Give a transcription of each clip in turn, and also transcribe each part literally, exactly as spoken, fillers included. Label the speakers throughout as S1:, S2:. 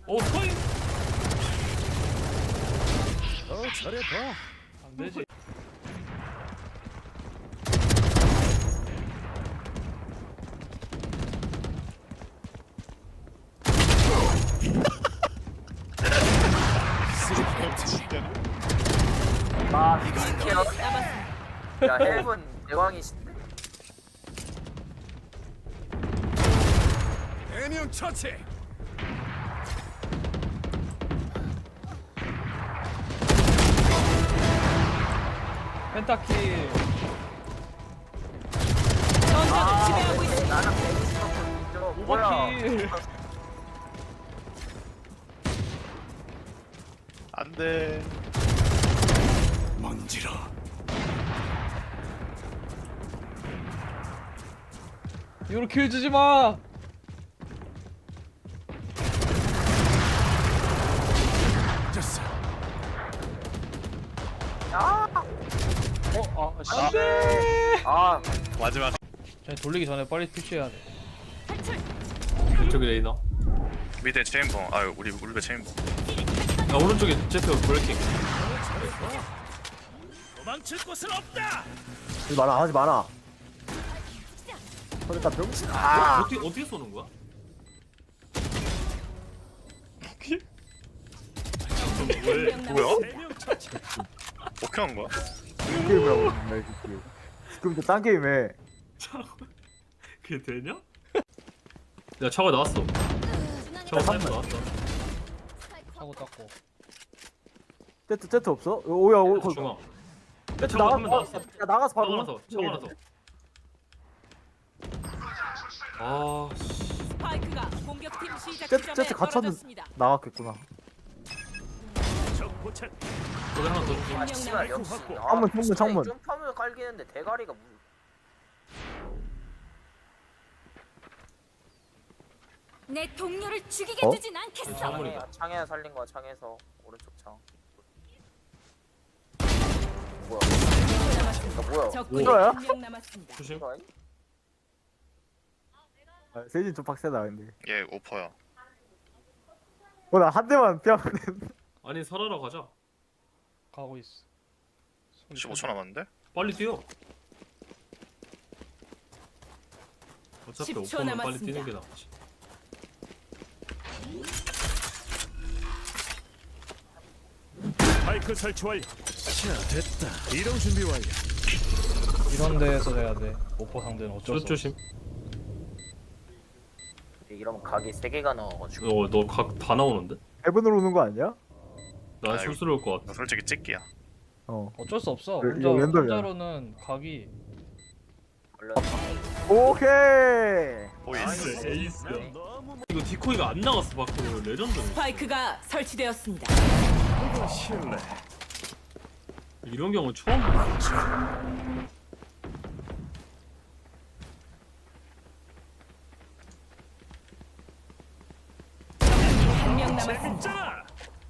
S1: 오 스파이.
S2: 더 잘해봐.
S1: 안 되지.
S3: 아, 이거 야, 헬븐 대왕이신데?
S2: 대명 처치.
S1: 펜타킬.
S4: 전장을 지배하고 있습니다.
S3: 나랑 배구 싶었거든. 저 뭐야?
S1: 오버킬.
S5: 안돼.
S2: 먼지라.
S1: 이거 킬 주지 마.
S2: 됐어.
S3: 아,
S1: 어, 아, 씨.
S3: 안돼. 아,
S5: 마지막.
S1: 자, 돌리기 전에 빨리 푸시해야 돼.
S6: 왼쪽에 레이너.
S5: 밑에 체인봉. 아유 우리 우리 배 체인봉.
S6: 야 오른쪽에 제트 브레이킹.
S2: 도망칠 곳은 없다.
S7: 하지 마라 하지 마라. 그러니까 병신. 아
S6: 어떻게 어떻게 쏘는 거야?
S5: 왜? 뭐야?
S2: 대명 처치.
S5: 어떻게 한 거야?
S7: 게임이라고 했네 이 게임. 그럼 딴 게임에
S6: 그게 되냐? 야 차가 나왔어. 차가 사이버 나왔다.
S1: 사고 닦고.
S7: 세트 세트 없어? 오야 오.
S6: 세트 중앙.
S7: 세트
S6: 차가
S7: 나가.
S6: 한명 나왔어.
S7: 야 나가서
S6: 차가
S7: 바로.
S6: 나서. 차가 나서. 아 씨.
S4: 스파이크가 공격팀 시작
S7: 세트
S4: 지점에
S7: 세트 갇혔는
S4: 떨어졌습니다.
S7: 나갔겠구나.
S2: 적 포착.
S6: 거기 하나 더 주지.
S3: 아, 씨발 역시. 아,
S7: 창문, 창문,
S3: 진짜
S7: 창문.
S3: 점프하면 깔기는데 대가리가 무.
S4: 내 동료를 죽이게
S7: 어?
S4: 두진 않겠어.
S3: 창에 창에 살린 거야 창에서 오른쪽 창. 뭐야? 나 뭐야?
S4: 적군이
S7: 이거야?
S4: 한명 남았습니다.
S6: 조심.
S3: 이거 아니?
S7: 아, 세진 좀 빡세다 근데.
S5: 얘 오퍼야.
S7: 어나 한 대만 피하면 되는데.
S6: 아니 살아라 가자.
S1: 가고 있어. 소리
S5: 십오 초 남았는데?
S6: 빨리 뛰어. 어차피
S4: 십 초
S6: 오퍼면 빨리
S4: 남았습니다.
S6: 뛰는 게 낫지.
S2: 마이크 설치 완료. 자 됐다. 이동 준비 완료.
S1: 이런 데에서 해야 돼. 오퍼 상대는 어쩔 수 없어.
S6: 조심.
S3: 이러면 각이 세 개가 나와가지고.
S6: 어너각 다 나오는데?
S7: 해븐으로 오는 거 아니야?
S6: 나
S5: 아이고.
S6: 술스러울 것 같아.
S5: 나 솔직히 찍기야.
S7: 어.
S1: 어쩔 수 없어.
S7: 그,
S1: 혼자
S7: 이거 랜덤이야.
S1: 혼자로는 각이
S3: 원래
S7: 오케이.
S5: 보이스.
S6: 에이스야.
S2: 너무
S6: 이거 디코이가 안 나갔어 밖으로. 레전드네.
S4: 스파이크가 설치되었습니다.
S2: 이거 실례.
S6: 이런 경우 처음 봐.
S4: 한 명 남았습니다.
S2: 재밌잖아.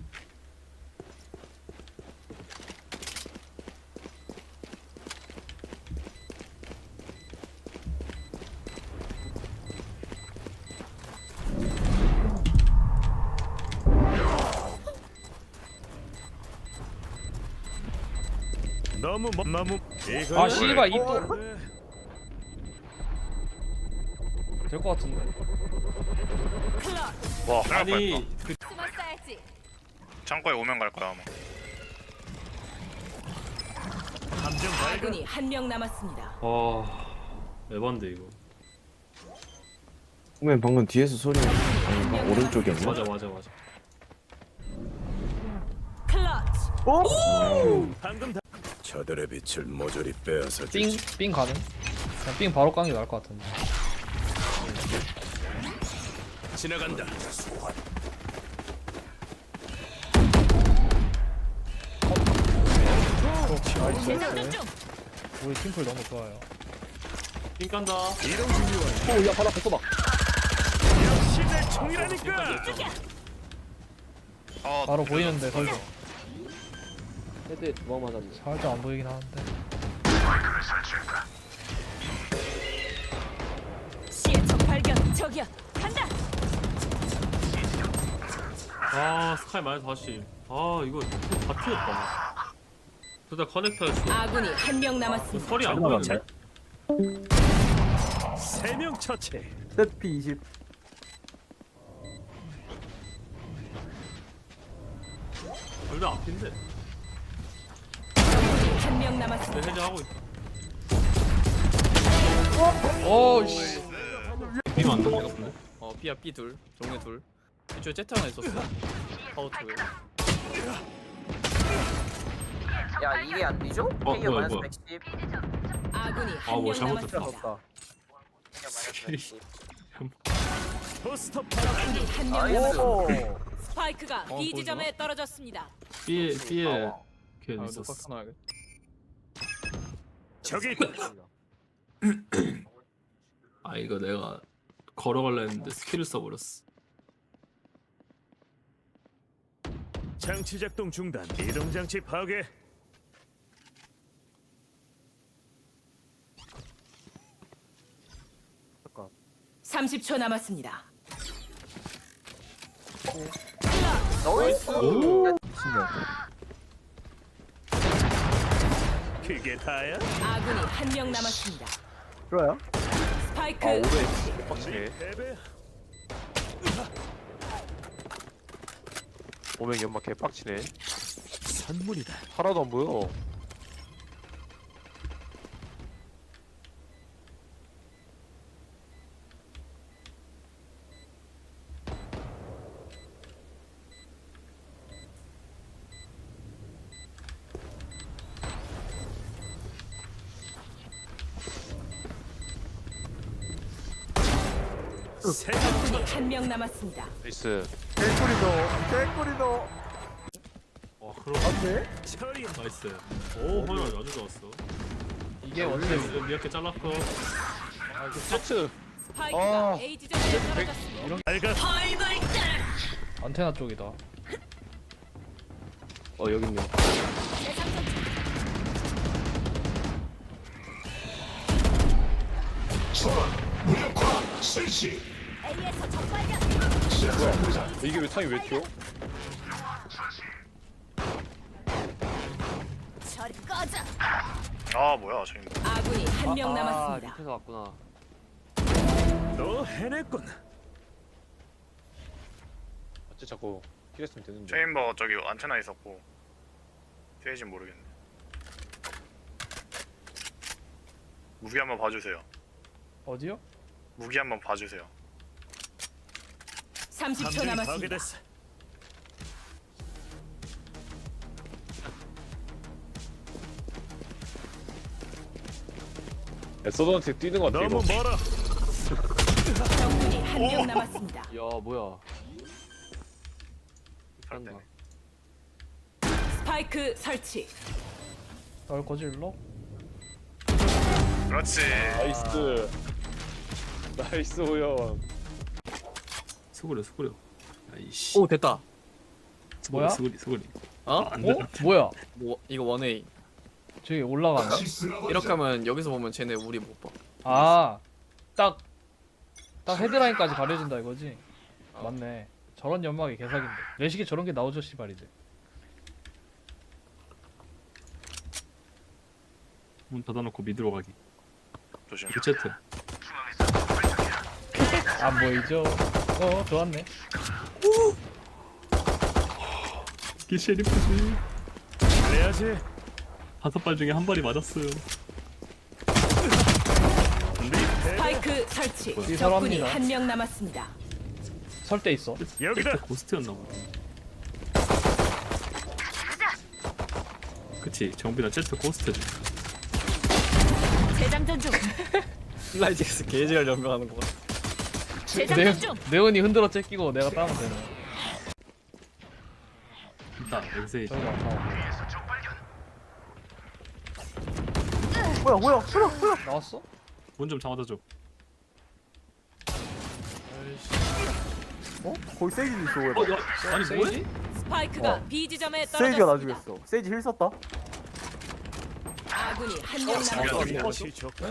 S2: 너무 뭐, 너무 이거
S1: 아 씨발 이또
S2: 네.
S1: 될 것 같은데.
S4: 클럽
S5: 와 아니
S6: 아니 그
S4: 숨어 싸야지.
S5: 창고에 오면 갈 거야 아마.
S2: 함정 발견.
S4: 아군이 한 명 남았습니다.
S6: 아 에반데 이거.
S8: 그러면 방금 뒤에서 소리 아닌가?
S4: 한 명
S8: 오른쪽이었나?
S6: 맞아 맞아 맞아.
S4: 클러치.
S2: 방금 다. 저들의 빛을 모조리 빼앗아
S1: 삥,
S2: 주지.
S1: 삥 가능? 그냥 삥 바로 깐게 나을 것 같은데.
S2: 지나간다.
S4: 재장전 중.
S1: 우리 팀플 너무 좋아요.
S6: 삥 깐다.
S2: 이동 준비 완료.
S7: 오야 바로 앞에 봐.
S2: 역시 내 총이라니까.
S5: 아
S1: 바로 보이는데 설정.
S8: 헤드에 두 방 맞았네.
S1: 살짝 안 보이긴 하는데.
S4: 시의 적 발견. 저기야. 간다.
S6: 아 스카이 마이너스 사십. 아 이거 다 튀었다. 둘 다 커넥터였어.
S4: 아군이 한 명 남았습니다.
S6: 설이 안 보이는데?
S2: 세명 처치.
S7: 세피 이십.
S6: 둘 다 앞인데.
S4: 한 명
S6: 내
S4: 남았습니다.
S6: 해제하고 있다.
S1: 어씨.
S6: B만 안 된것 같은데?
S9: 어 B야 B 둘 종료 둘 이쪽에 Z 하나 있었어 파워 투
S3: 야 이게 안 뒤져?
S6: 어,
S3: 페이어
S6: 뭐야,
S3: 마이너스
S6: 뭐야.
S3: 백십.
S4: 아군이
S6: 아,
S4: 한
S6: 뭐
S4: 명
S6: 잘못했다.
S4: 남았습니다.
S3: 페이어 마이너스 백십.
S2: 포스터
S4: 적군이 한 명
S3: 나이스.
S4: 남았습니다. 스파이크가
S9: 어,
S4: B 지점에 떨어졌습니다.
S6: B에 B에
S3: 아,
S6: 걔
S9: 아
S6: 있었어.
S9: 녹화 켜놔야겠다
S2: 저기 있다.
S6: 아 이거 내가 걸어갈라 했는데 스킬을 써버렸어.
S2: 장치 작동 중단. 이동 장치 파괴.
S4: 삼십 초 남았습니다.
S3: 나이스.
S6: 오.
S2: 그게 다야?
S4: 아군이 한 명 남았습니다.
S7: 들어요?
S4: 스파이크
S9: 아 오래
S2: 네
S9: 빡치네
S2: 패배.
S9: 오명 연막 개빡치네
S2: 선물이다.
S9: 하나도 안 보여
S2: 세
S4: 적군이 한 명 남았습니다.
S9: 나이스
S7: 개꿀이도. 개꿀이도.
S6: 와 그럼
S7: 안돼?
S2: 처리.
S6: 나이스. 오 허연 아주 좋았어.
S1: 이게 원래
S6: 이거 미약해 잘랐고.
S9: 세트
S4: 스파이크가
S9: 아.
S4: A 지점에 떨어졌습니다.
S2: 알가.
S1: 안테나 쪽이다.
S8: 어 여기 있네.
S9: 이게 왜 창이 왜 튀어?
S5: 아 뭐야 저기.
S4: 아군이 한 명 남았습니다.
S8: 밑에서 왔구나.
S2: 너 해냈군.
S9: 어째 자꾸 킬했으면 되는데.
S5: 체인버 저기 안테나 있었고. 세이진 모르겠네. 무기 한번 봐주세요.
S1: 어디요?
S5: 무기 한번 봐주세요.
S4: 삼십 초
S2: 함정이
S4: 남았습니다.
S2: 파괴됐어.
S9: 에서던한테 뛰는 거 같아
S2: 너무
S9: 이거.
S2: 멀어.
S4: 적군이 한 명 남았습니다.
S8: 야 뭐야? 한다.
S4: 스파이크 설치.
S1: 널 거질러?
S5: 그렇지.
S9: 나이스. 나이스 호연.
S6: 수그려 수그려. 아이씨.
S9: 오 됐다
S6: 수그려,
S1: 뭐야?
S6: 수그리 수그리.
S9: 어?
S6: 안 돼.
S1: 어? 뭐야?
S9: 뭐 이거 원웨이
S1: 저기 올라가네.
S9: 이렇게 하면 여기서 보면 쟤네 우리 못봐
S1: 아, 딱, 딱 헤드라인까지 가려진다 이거지? 맞네. 저런 연막이 개사긴데. 내식에 저런 게 나오죠, 씨발이지.
S6: 문 닫아놓고 미드로 가기.
S5: 조심.
S6: 리체트.
S1: 안 보이죠? 어, 좋았네.
S6: 이게 셰리프지.
S2: 그래야지.
S6: 다섯 발 중에 한 발이 맞았어요.
S2: 네 패배.
S4: 스파이크 설치.
S1: 이
S4: 적군이
S1: 사람입니다.
S4: 한 명 남았습니다.
S1: 설 때 있어.
S2: 여기다.
S6: 고스트였나 보다. 그치 정빈아 제트 고스트지.
S4: 재장전 중.
S9: 플라이직스 게이지를 연명하는 거 같아
S1: 네,
S4: 재장전 중.
S1: 네온이 흔들어 째끼고 내가 따면 되네.
S6: 있다 엑세이.
S1: 저기가 어.
S7: 뭐야 뭐야? 뭐야 뭐야?
S1: 나왔어?
S6: 문좀 잡아줘.
S7: 어? 거기 세이지도 있어. 왜?
S6: 어, 야, 아니 뭐해?
S4: 스파이크가
S7: 어.
S4: B 지점에
S7: 세이지가 나
S4: 떨어졌습니다.
S7: 죽였어. 세이지 힐 썼다.
S4: 아군이 한 명 남았습니다.
S2: 다시 좋고.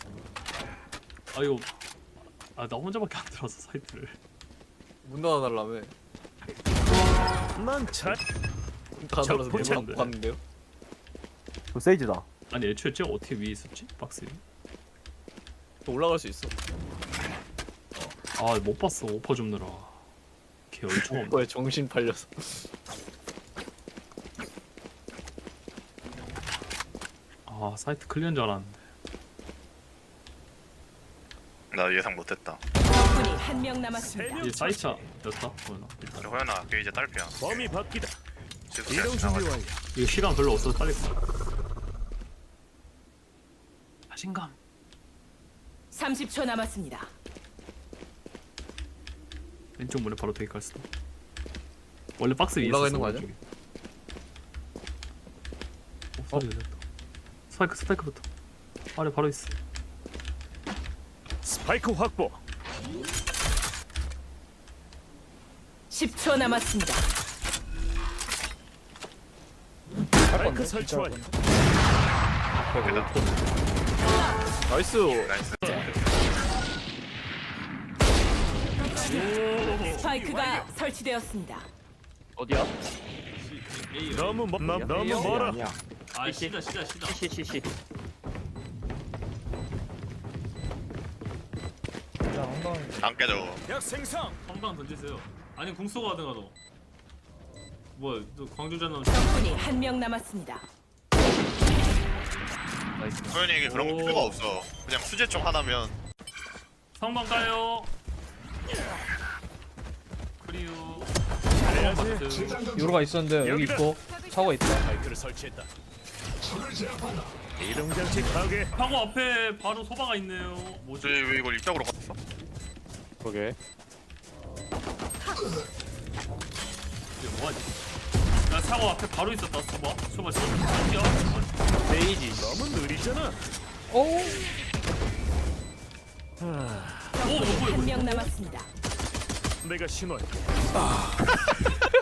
S6: 아 이거 아 나 혼자밖에 안 들어서 사이트를.
S9: 문 닫아달라며
S2: 난잘
S9: 다
S2: 저
S9: 날아서
S2: 포착.
S9: 내방 봤는데요?
S7: 그 세이지다.
S6: 아니 애초에 쟤 어떻게 위에 있었지? 박스 위에?
S9: 또 올라갈 수 있어.
S6: 아 못 봤어 오퍼 좀 넣어라. 개 얼청 없네.
S9: 뭐야 정신 팔려서.
S6: 아 사이트 클리어인 줄 알았는데.
S5: 나 예상 못했다.
S4: 적군이 한 명 남았습니다.
S6: 이게 사이트였다? 뭐나 일단
S5: 호연아 걔 이제 딸피야.
S2: 범위 바뀌다.
S5: 지금
S2: 이동 준비
S5: 지나가자.
S2: 완료.
S6: 이거 시간 별로 없어서 빨리 가. 자신감.
S4: 삼십 초 남았습니다.
S6: 왼쪽 문에 바로 대기 갈 수도. 원래 박스 위에
S9: 올라가
S6: 있었어,
S9: 있는 거 아니야?
S6: 왼쪽에. 어, 소리 됐다. 스파이크 스파이크부터. 아래 바로 있어.
S2: 스파이크 확보.
S4: 십 초 남았습니다.
S2: 스파이크 설치 완료.
S9: 나이스.
S5: 나이스.
S4: 스파이크가 설치되었습니다.
S9: 어디야?
S2: 너무 멀 너, 너무 멀어.
S8: 아니야.
S6: 아 시다 시다 시다.
S8: 시시시.
S1: 진짜 황당해.
S5: 안 깨져.
S2: 약 생성.
S6: 한방 던지세요. 아니 궁쏘가 하든가 너. 뭐야 너 광주전 남.
S4: 적군이 한 명 남았습니다.
S5: 호연이에게 그런 거
S6: 오.
S5: 필요가 없어. 그냥 수제총 하나면.
S6: 성방 가요. 크리오.
S2: 잘해야지.
S1: 요로가 있었는데 여기
S2: 여기다.
S1: 있고 차고 있다.
S2: 스파이크를 설치했다. 이동 장치 파괴.
S6: 파고 앞에 바로 소바가 있네요. 뭐지?
S5: 왜, 왜 이걸 입장으로 갔어?
S8: 그러게.
S6: 이게 뭐하지? 나 사고 앞에 바로 있었다. 소바. 소바 지금 뛰어.
S9: 베이지.
S2: 너무 느리잖아.
S1: 오.
S6: 오
S4: 적군이
S6: 뭐야
S4: 한
S6: 이거?
S4: 명 남았습니다.
S2: 내가 신호해.